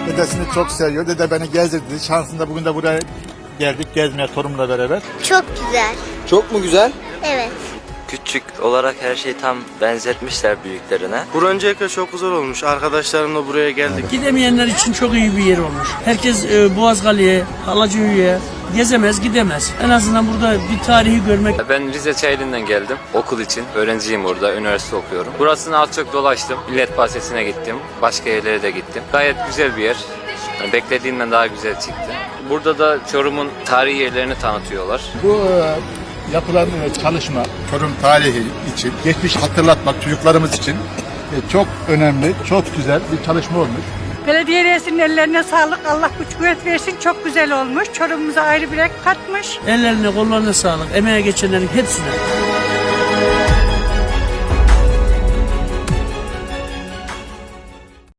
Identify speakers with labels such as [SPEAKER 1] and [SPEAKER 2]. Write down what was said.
[SPEAKER 1] Dedesini çok seviyor. Dede beni gezdirdi. Şansında bugün de buraya geldik gezmeye torunumla beraber.
[SPEAKER 2] Çok güzel.
[SPEAKER 3] Çok mu güzel?
[SPEAKER 2] Evet.
[SPEAKER 4] Küçük olarak her şeyi tam benzetmişler büyüklerine.
[SPEAKER 5] Bura öncelikle çok güzel olmuş. Arkadaşlarımla buraya geldik.
[SPEAKER 6] Gidemeyenler için çok iyi bir yer olmuş. Herkes Boğazgali'ye, Halacıköy'e gezemez, gidemez. En azından burada bir tarihi görmek.
[SPEAKER 7] Ben Rize Çayeli'nden geldim okul için. Öğrenciyim burada, üniversite okuyorum. Burasını az çok dolaştım. Millet Bahçesi'ne gittim. Başka yerlere de gittim. Gayet güzel bir yer. Yani beklediğimden daha güzel çıktı. Burada da Çorum'un tarihi yerlerini tanıtıyorlar.
[SPEAKER 1] Bu yapılan çalışma Çorum tarihi için, geçmiş hatırlatmak çocuklarımız için çok önemli, çok güzel bir çalışma olmuş.
[SPEAKER 8] Belediye reisinin ellerine sağlık. Allah güç kuvvet versin. Çok güzel olmuş. Çorum'umuza ayrı bir renk katmış.
[SPEAKER 6] Ellerine, kollarına sağlık. Emeğe geçenlerin hepsine.